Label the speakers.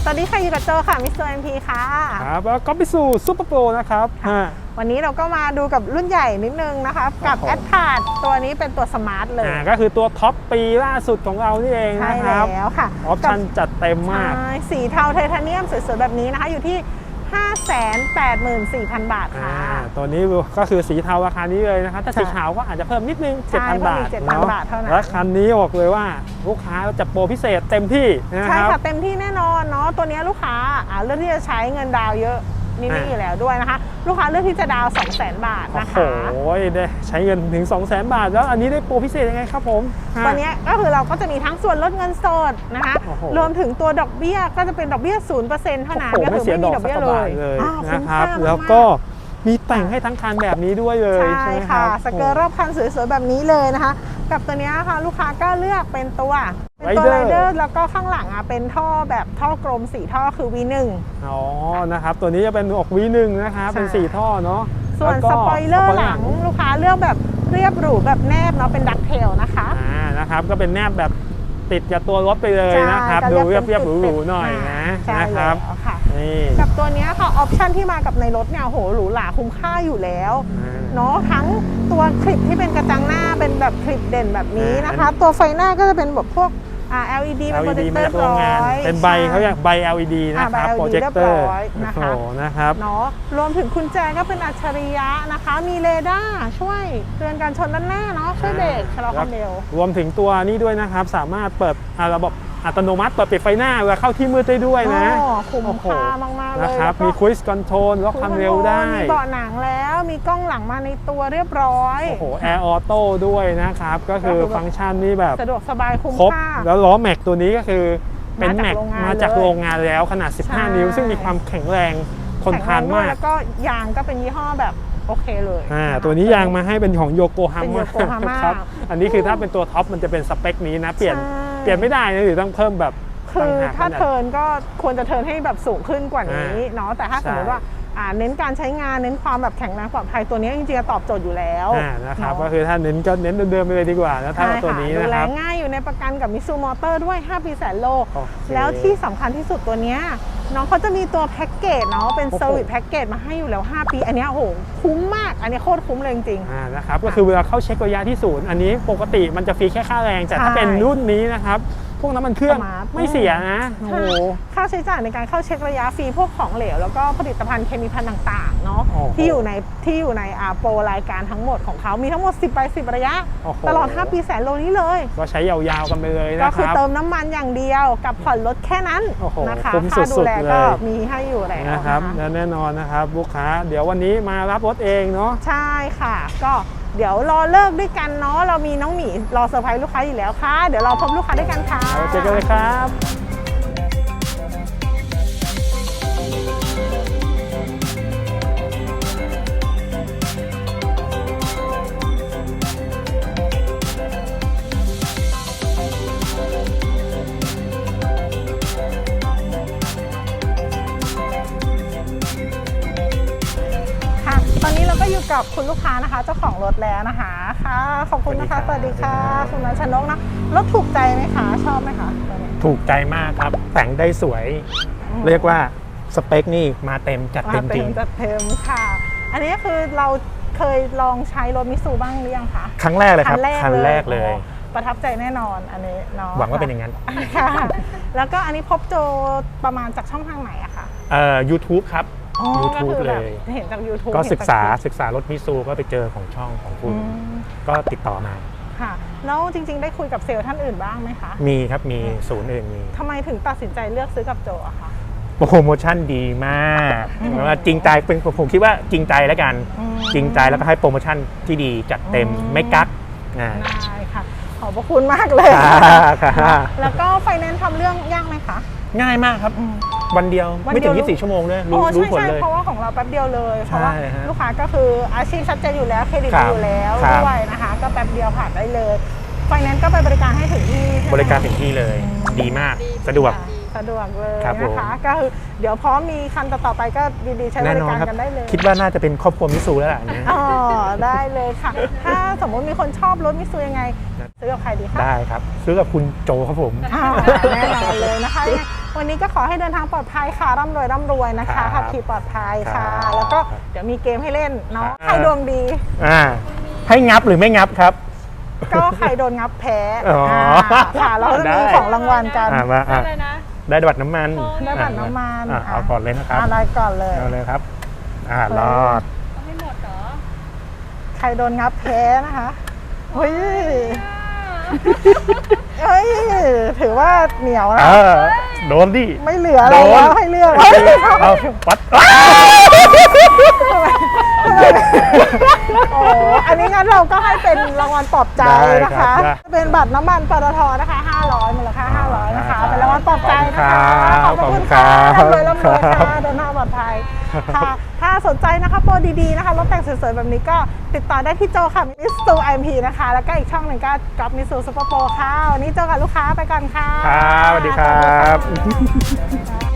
Speaker 1: วัสดีค่ะอยู่กับโจค่ะมิสเตอร์เอ็มพีค่ะ
Speaker 2: ครับแล้วก็ไปสู่ซูเปอร์โปรนะครับ
Speaker 1: วันนี้เราก็มาดูกับรุ่นใหญ่นิดนึงนะคะกับแอดพาดตัวนี้เป็นตัวสมาร์ทเลย
Speaker 2: ก็คือตัวท็อปปีล่าสุดของเรานี่เองนะครับ
Speaker 1: ใช่แล้วค่ะ
Speaker 2: ออปชั่นจัดเต็มมาก
Speaker 1: สีเทาไทเทเนียมสวยๆแบบนี้นะคะอยู่ที่ 584,000 บาทค่ะ
Speaker 2: ตัวนี้ก็คือสีเทาราคานี้เลยนะครับถ้าสีขาวก็อาจจะเพิ่มนิดนึง 7,000 บาทเนาะและคันนี้บอกเลยว่าลูกค้าจะโปรพิเศษเต็มที่นะครับ
Speaker 1: ใช่ค่ะเต็มที่แน่นอนเนาะตัวนี้ลูกค้าเลือกที่จะใช้เงินดาวเยอะนี่อยู่แล้วด้วยนะคะลูกค้าเลือกที่จะดาว 200,000 บาทนะคะ
Speaker 2: โอ้ยได้ใช้เงินถึง 200,000 บาทแล้วอันนี้ได้โปรพิเศษยังไงครับผม
Speaker 1: ตัวนี้ก็คือเราก็จะมีทั้งส่วนลดเงินสดนะคะรวมถึงตัวดอกเบี้ยก็จะเป็นดอกเบี้ย 0% เท่านั้น
Speaker 2: ก็คือไม่มีดอกเบี้ยเลยนะครับแล้วก็มีแต่งให้ทั้งคันแบบนี้ด้วยเลยใช่ไหมครับ
Speaker 1: สเกิร์ตรอบคันสวยๆแบบนี้เลยนะคะกับตัวนี้ค่ะลูกค้าก็เลือกเป็นตัวไรเดอร์แล้วก็ข้างหลังเป็นท่อแบบท่อกลม4ท่อคือ V1
Speaker 2: นะครับตัวนี้จะเป็นออก V1 นะคะเป็น4ท่อเนาะ
Speaker 1: ส่วนสปอยเลอร์หลังลูกค้าเลือกแบบเรียบหรูแบบแนบเนาะเป็นดักเทลนะคะ
Speaker 2: นะครับก็เป็นแนบแบบติดกับตัวรถไปเลยนะครับดูเรียบหรูๆหน่อยนะครับ
Speaker 1: กับตัวนี้ค่ะออปชันที่มากับในรถเนี่ยโหหรูหราคุ้มค่าอยู่แล้วเนาะทั้งตัวคลิปที่เป็นกระจังหน้าเป็นแบบคลิปเด่นแบบนี้นะคะตัวไฟหน้าก็จะเป็นแบบพวกLED เป็นโปรเจคเตอร์ร้อย
Speaker 2: เป็นใบเขาเรียกใบ LED นะครับโปรเจคเตอร์นะครับ
Speaker 1: เนาะรวมถึงกุญแจก็เป็นอัจฉริยะนะคะมีเรดาร์ช่วยเตือนการชนด้านหน้าเนาะช่วยเบรกชะลอความเร็ว
Speaker 2: รวมถึงตัวนี้ด้วยนะครับสามารถเปิดระบบอัตโนมัติเปิดปิดไฟหน้าเวลาเข้าที่มืดได้ด้วยนะ
Speaker 1: คุ้มค่ามากๆเลย
Speaker 2: นะครับมีครูซคอนโทรลล็อกความเร็วได้
Speaker 1: มีเบาะหนังแล้วมีกล้องหลังมาในตัวเรียบร้อย
Speaker 2: แอร์ออโต้ด้วยนะครับก็คือฟังก์ชันนี้แบบ
Speaker 1: สะดวกสบายคุ้มค่า
Speaker 2: แล้วล้อแม็กตัวนี้ก็คือเป็นแม็กมาจากโรงงานแล้วขนาด15นิ้วซึ่งมีความแข็งแรงทนทานมาก
Speaker 1: แล้วก็ยางก็เป็นยี่ห้อแบบโอเคเลย
Speaker 2: ตัวนี้ยางมาให้เป็นของโยโกฮาม่าครับอันนี้คือถ้าเป็นตัวท็อปมันจะเป็นสเปคนี้นะเปลี่ยนไม่ได้นะหรือต้องเพิ่มแบบ
Speaker 1: คือถ้าเทิร์นก็ควรจะเทิร์นให้แบบสูงขึ้นกว่านี้เนาะแต่ถ้าสมมติว่าเน้นการใช้งานเน้นความแบบแข็งแรงปลอดภัยตัวนี้จริงๆตอบโจทย์อยู่แล้ว
Speaker 2: นะครับก็คือถ้าเน้นก็เน้นเดิมๆไปเลยดีกว่านะถ้าตัวนี้นะครับดู
Speaker 1: แลง่ายอยู่ในประกันกับมิซูมอเตอร์ด้วย5 ปีแสนโลแล้วที่สำคัญที่สุดตัวนี้น้องเขาจะมีตัวแพ็กเกจเนาะเป็นเซอร์วิสแพ็กเกจมาให้อยู่แล้ว5 ปีอันนี้โอ้โหคุ้มมากอันนี้โคตรคุ้มเลยจริง
Speaker 2: ๆนะครับก็คือเวลาเข้าเช็คระยะที่ศูนย์อันนี้ปกติมันจะฟรีแค่ค่าแรงแต่ถ้าเป็นรุ่นนี้นะครับพวกน้ำมันเครื่องไม่เสียนะโอ้
Speaker 1: ค่าใช้จ่ายในการเข้าเช็คระยะฟรีพวกของเหลวแล้วก็ผลิตภัณฑ์เคมีภัณฑ์ต่างๆเนาะที่อยู่ในโปรรายการทั้งหมดของเขามีทั้งหมด10 ใบ 10 ระยะตลอด5 ปีแสนโลนี้เลย
Speaker 2: ก็ใช้ยาวๆกันไปเลยนะครับ
Speaker 1: ก็คือเติมน้ำมันอย่างเดียวกับผ่อนรถแค่นั้นนะคะค่าดูแลก็มีให้อยู่แล้ว
Speaker 2: นะครับแน่นอนนะครับลูกค้าเดี๋ยววันนี้มารับรถเองเนาะ
Speaker 1: ใช่ค่ะก็เดี๋ยวรอเลิกด้วยกันเนาะเรามีน้องหมีรอเซอร์ไพรส์ลูกค้าอยู่แล้วค่ะเดี๋ยวเราพบลูกค้าด้วยกันค่ะ
Speaker 2: เจอกันเลยครับ
Speaker 1: ตอนนี้เราก็อยู่กับคุณลูกค้านะคะเจ้าของรถแล้วนะคะค่ะขอบคุณนะคะสวัสดีค่ะคุณนัชนกนะรถถูกใจไหมคะชอบไหมคะ
Speaker 3: ถูกใจมากครับแต่งได้สวยเรียกว่าสเปคนี่มาเต็มจัดเต็มจริง
Speaker 1: จัดเต็มค่ะอันนี้คือเราเคยลองใช้รถมิซูบ้างหรือยังคะ
Speaker 3: ครั้งแรกเลยครับครั้งแรกเลย
Speaker 1: ประทับใจแน่นอนอันนี้เนาะ
Speaker 3: หวังว่าเป็นอย่างนั้น
Speaker 1: ค่ะแล้วก็อันนี้พบโจประมาณจากช่องทางไหนอะคะ
Speaker 3: YouTube ครับYouTube เลย
Speaker 1: เห็นจาก YouTube
Speaker 3: ก็ศึกษารถมิซูก็ไปเจอของช่องของคุณก็ติดต่อมา
Speaker 1: ค่ะแล้วจริงๆได้คุยกับเซลล์ท่านอื่นบ้างไหมคะ
Speaker 3: มีครับมีศูนย์อื่นมี
Speaker 1: ทำไมถึงตัดสินใจเลือกซื้อกับโจอะคะ
Speaker 3: โปรโมชั่นดีมากจริงใจเป็นผมคิดว่าจริงใจแล้วกันจริงใจแล้วก็ให้โปรโมชั่นที่ดีจัดเต็มไม่กัก
Speaker 1: ได้ค่ะขอบพระคุณมากเลยแล้วก็ไฟแนนซ์ทำเรื่องยากไหมคะ
Speaker 3: ง่ายมากครับวันเดียวไม่ถึง24 ชั่วโมงเลยรู้ผลเลย
Speaker 1: เพราะว่าของเราแป๊บเดียวเลยเพราะว่าลูกค้าก็คืออาชีพชัดเจนอยู่แล้วเครดิตอยู่แล้วด้วยนะคะก็แป๊บเดียวผ่านได้เลยไฟแนนซ์ก็ไปบริการให้ถึงที่
Speaker 3: บริการถึงที่เลยดีมากสะดวก
Speaker 1: เลยนะคะก็คือเดี๋ยวพร้อมมีคันต่อไปก็ดีๆใช้บริการกันได้เลย
Speaker 3: คิดว่าน่าจะเป็นครอบครัวมิซูแล้วล่ะ
Speaker 1: ได้เลยค่ะถ้าสมมติมีคนชอบรถมิซูยังไงซื้อกับใครดีคะ
Speaker 3: ได้ครับซื้อกับคุณโจครับผม
Speaker 1: แน่นอนเลยนะคะวันนี้ก็ขอให้เดินทางปลอดภัยค่ะร่ำรวยนะคะ
Speaker 3: ครับ
Speaker 1: ขับขี่ปลอดภัยค่ะ
Speaker 3: ครับ
Speaker 1: แล้วก็เดี๋ยวมีเกมให้เล่นเนาะใครดวงดี
Speaker 3: ให้งับหรือไม่งับครับ
Speaker 1: ก็ใครโดนงับแพ้
Speaker 3: อ๋อ
Speaker 1: ค่ะเราจะ
Speaker 3: ได้
Speaker 1: มีของรางวัลกัน
Speaker 3: มา
Speaker 4: เลยนะ
Speaker 3: ได้บัตรน้ำมัน
Speaker 1: ได้บัตรน้ำมัน
Speaker 3: เอาก่อนเลยนะครับ
Speaker 1: อะไรก่อนเลย
Speaker 3: เอาเลยครับรอด
Speaker 4: เอาให้หมดเหรอ
Speaker 1: ใครโดนงับแพ้นะคะเฮ้ยเฮ้ยถือว่าเหนียวนะ
Speaker 3: โดนดิ
Speaker 1: ไม่เหลืออะไรแล้วให้เลือก
Speaker 3: เอาปัด
Speaker 1: โอ้อันนี้งั้นเราก็ให้เป็นรางวัลปลอบใจนะคะ เป็นบัตรน้ำมันปตทนะคะ500มูลค่า500นะคะ เป็นรางวัลปลอบใจนะคะขอบคุณค่ะร่ำรวยค่ะเดินหน้าปลอดภัยค่ะถ้าสนใจนะคะโปรดีๆนะคะรถแต่งสวยๆแบบนี้ก็ติดต่อได้ที่โจค่ะมิสซูไอพีนะคะแล้วก็อีกช่องหนึ่งก็ก๊อฟมิสซูซูเปอร์โปรค่ะวันนี้โจกับลูกค้าไปก่อนค่ะ
Speaker 3: ครับสวัสดีครับ
Speaker 1: สวัสดีค่ะ